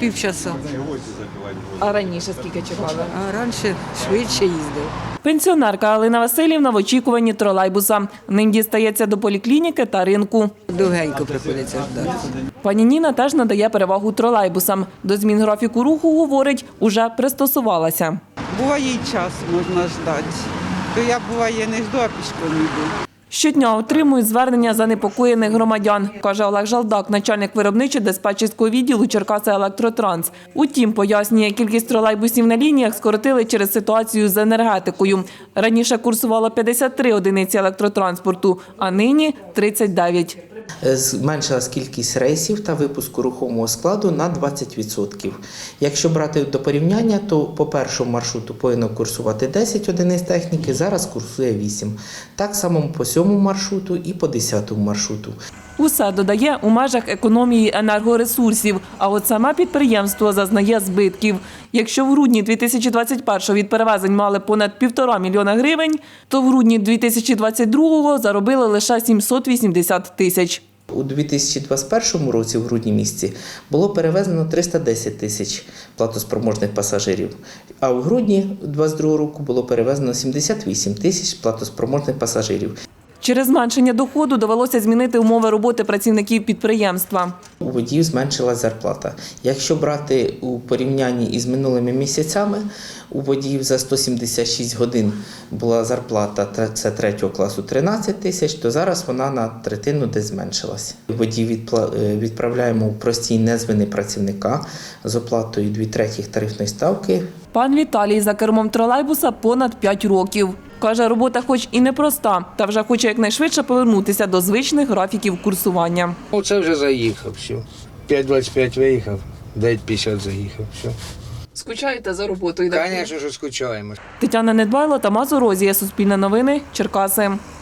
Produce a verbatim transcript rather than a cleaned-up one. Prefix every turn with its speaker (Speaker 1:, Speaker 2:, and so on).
Speaker 1: Півчаса.
Speaker 2: А раніше скільки чекали?
Speaker 1: А раніше швидше їздив.
Speaker 2: Пенсіонерка Алина Васильівна в очікуванні тролейбуса. Ним дістається до поліклініки та ринку.
Speaker 1: Довгенько приходиться ждати.
Speaker 2: Пані Ніна теж надає перевагу тролейбусам. До змін графіку руху, говорить, уже пристосувалася.
Speaker 3: Буває і час можна ждати. То я буває не жду, а пішком йду.
Speaker 2: Щодня отримують звернення занепокоєних громадян, каже Олег Жалдак, начальник виробничо-диспетчерського відділу Черкаси Електротранс. Утім, пояснює, кількість тролейбусів на лініях скоротили через ситуацію з енергетикою. Раніше курсувало п'ятдесят три одиниці електротранспорту, а нині – тридцять дев'ять.
Speaker 4: Зменшилась кількість рейсів та випуску рухомого складу на двадцять відсотків. Якщо брати до порівняння, то по першому маршруту повинно курсувати десять одиниць техніки, зараз курсує вісім. Так само по сьомому маршруту і по десятому маршруту.
Speaker 2: Усе, додає, у межах економії енергоресурсів, а от саме підприємство зазнає збитків. Якщо в грудні дві тисячі двадцять першого від перевезень мали понад півтора мільйона гривень, то в грудні дві тисячі двадцять другого заробили лише сімсот вісімдесят тисяч.
Speaker 4: У дві тисячі двадцять першому році, в грудні місяці, було перевезено триста десять тисяч платоспроможних пасажирів, а у грудні двадцять другого року було перевезено сімдесят вісім тисяч платоспроможних пасажирів.
Speaker 2: Через зменшення доходу довелося змінити умови роботи працівників підприємства.
Speaker 4: У водіїв зменшилась зарплата. Якщо брати у порівнянні із минулими місяцями, у водіїв за сто сімдесят шість годин була зарплата, це третього класу, тринадцять тисяч, то зараз вона на третину десь зменшилась. Водіїв відправляємо у простій незваний працівника з оплатою дві третіх тарифної ставки.
Speaker 2: Пан Віталій за кермом тролейбуса понад п'ять років. Каже, робота хоч і непроста, та вже хоче якнайшвидше повернутися до звичних графіків курсування.
Speaker 5: Оце вже заїхав, все. п'ять двадцять п'ять виїхав, дев'ять п'ятдесят заїхав, все.
Speaker 2: Скучаєте за роботою?
Speaker 5: Звісно, що скучаємо.
Speaker 2: Тетяна Недбайло, Тамас Орозія, Суспільне новини, Черкаси.